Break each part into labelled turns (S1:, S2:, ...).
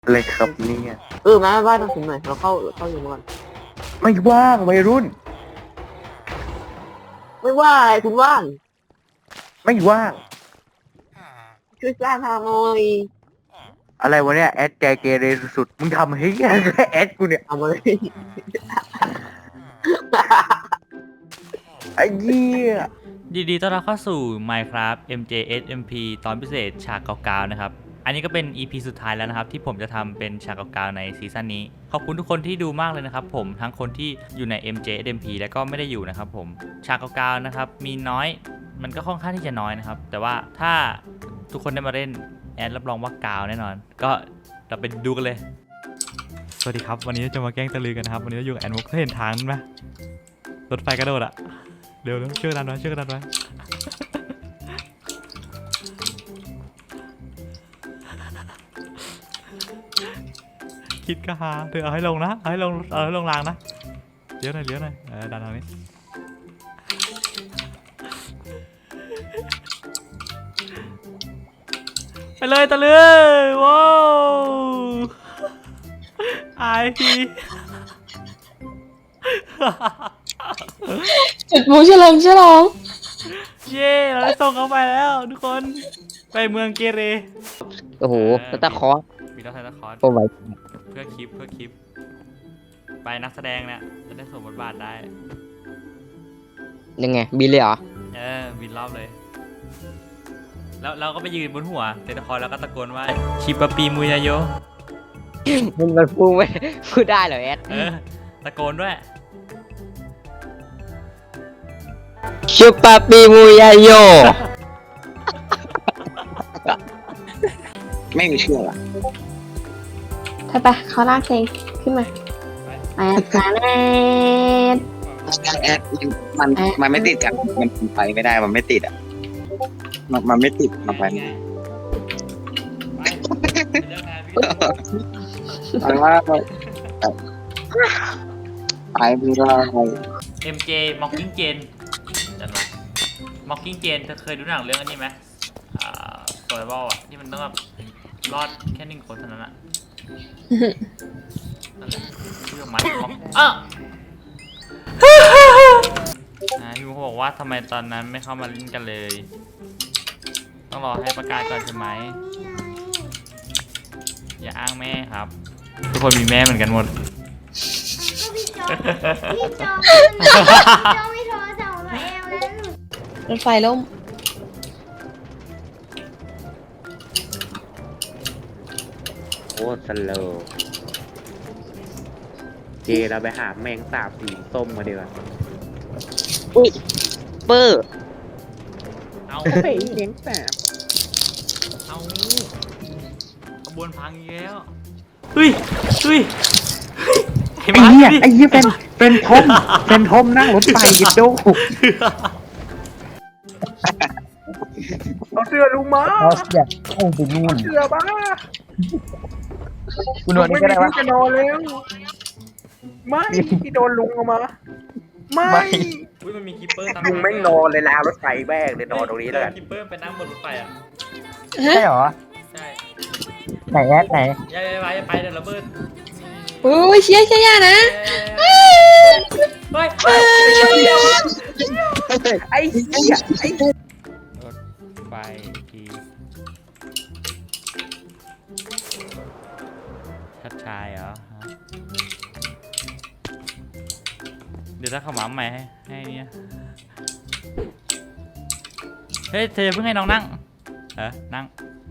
S1: อะไรครับเนี่ย
S2: มาบ้านต้องถึงหน่อยเราเข้าอยู่ก่อน
S1: ไม่ว่างวัยรุ่น
S2: ไม่ว่าอะไรคุณว่าง
S1: ไม่ว่าง
S2: ช่วยสร้างทางหน่อย
S1: อะไรวะเนี่ยแอดใจเกเรสุดๆมึงทำให้แอดกูเนี่ย
S2: เอามาเลย
S1: ไอ้เหี้ย
S3: ยินดีต้อนรับเข้าสู่ Minecraft MJSMP ตอนพิเศษฉากเก่าๆนะครับ อันนี้ก็เป็น EP สุดท้ายแล้วนะครับที่ผมจะทำเป็นฉากเก่าๆในซีซั่นนี้ขอบคุณทุกคนที่ดูมากเลยนะครับผมทั้งคนที่อยู่ใน MJSMP และก็ไม่ได้อยู่นะครับผมฉากเก่าๆนะครับมีน้อยมันก็ค่อนข้างที่จะน้อยนะครับแต่ว่าถ้าทุกคนได้มาเล่นแอดรับรองว่ากาวแน่นอนก็เราไปดูกันเลยสวัสดีครับวันนี้จะมาแกล้งตะลือกันนะครับวันนี้เราอยู่กับแอนมุกเห็นทางไหมรถไฟกระโดดอะเร็วๆช่วยกันดันไว้ช่วยกันดันไว้คิดก็หาเธอเอาให้ลงนะเอาให้ลงรางนะเลี้ยวหน่อยดันทางนี้ไปเลยตะลือว้าวไอพี
S4: จุดหมูฉลอง
S3: เย้เราได้ส่งเขาไปแล้วทุกคนไปเมืองเกเร
S2: โอ้โหตะคอ
S3: มีต้องใช้ตะคอร์
S2: โอ้ย
S3: เพื่อคลิปไปนักแสดงเนี่ยจะได้สวมบทบาทได้
S2: ยังไงบินเลยเหรอ
S3: บินรอบเลยแล้วเราก็ไปยืนบนหัวเซนตะคอร์แล้วก็ตะโกนว่าชิปปีมุยาโย
S2: มันพูดไม่พูดได้เหรอแอด
S3: ตะโกนด้วย
S2: ชิปาปีมูยาโย
S1: ไม่มีเชื่อละ
S4: ไปเขาลากเพลงขึ้นมาแอดแอด
S1: แอดมันไม่ติดกันมันไปไม่ได้มันไม่ติดอ่ะมันไม่ติดมันไปไม่ได้ไปว่าไปไม่ได้
S3: MJ Mocking Jane จันวะ Mocking Jane เธอเคยดูหนังเรื่องอันนี้ไหมSurvival อ่ะที่มันต้องแบบรอดแค่1 คนเท่านั้นอะนั่นแหละชื่อมันพี่มุกบอกว่าทำไมตอนนั้นไม่เข้ามาเล่นกันเลย ต้องรอให้ประกาศก่อนใช่ไหมอย่าอ้างแม่ครับ ทุกคนมีแม่เหมือนกันหมด
S5: พี่จอไม่โทรศัพท์มาเอวแล้วหนู
S4: รถไฟล่ม
S1: โอ้สโลว์เจเราไปหาแมงสาบสีส้มมาดีกว่าอุ้ยเปอร์
S3: เอา
S1: เฮ้ยแมงสาบ
S3: เอาขบวนพังอีกแล้วเฮ้ย
S1: ไอ้เหี้ยเป็นทอมนั่งรถไฟกินโดเอาเสื้อลุงมา
S6: เราอยากเข้าไปนู่น
S1: เสื้อบ้า
S6: คุณนวลนี่ก็ได้วะ
S1: จะนอนแล้วไม่ที่โดนลุงเอามาไม่
S3: อุ้ยมันมีคิปเปอร์ตาม
S1: ลุงแม่งนอนเลยนะรถไฟแม่งเลยนอนตรงนี้แล้วกัน
S3: คิปเปอร์ไปนั่งบนรถไฟอ่ะ
S6: ใช่เหรอ
S3: ใช่
S6: ไหนแอดไหน
S3: อย่าไปเดี๋ยวระเบิด
S4: โอ้ยเชียร์ย่านะ
S3: เฮ้ย
S1: ไอ้เหี้ยไอ้
S3: รถไฟทีชัดชายเหรอฮะเดี๋ยวถ้าเขาหมาใหม่ให้เนี่ยเฮ้ยเธอเพิ่งให้น้องนั่งนั่ง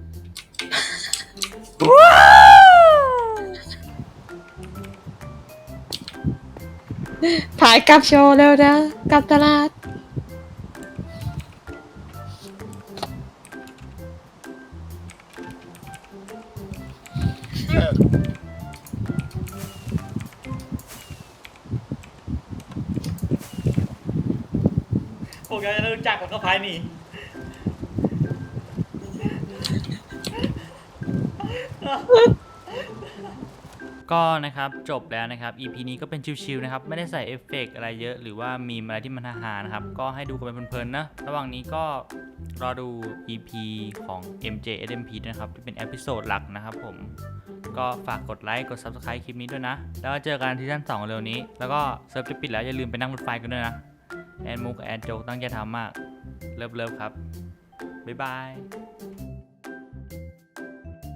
S4: ถ่ายกลับโชว์เร็วนะกลับตลาด
S3: พวกเราจะรู้จักกับเขาภายนี่ก็นะครับจบแล้วนะครับ EP นี้ก็เป็นชิวๆนะครับไม่ได้ใส่เอฟเฟกต์อะไรเยอะหรือว่ามีอะไรที่มันฮาๆนะครับก็ให้ดูกันเป็นเพลินๆนะระหว่างนี้ก็รอดู EP ของ MJSMP นะครับที่เป็นเอพิโซดหลักนะครับผมก็ฝากกดไลค์กด Subscribe คลิปนี้ด้วยนะ แล้วเจอกันซีซั่น2เร็วนี้แล้วก็เซิร์ฟจะปิดแล้วอย่าลืมไปนั่งรถไฟกันด้วยนะแอนมุกแอนโจกตั้งใจทำมากเลิฟครับบ๊ายบาย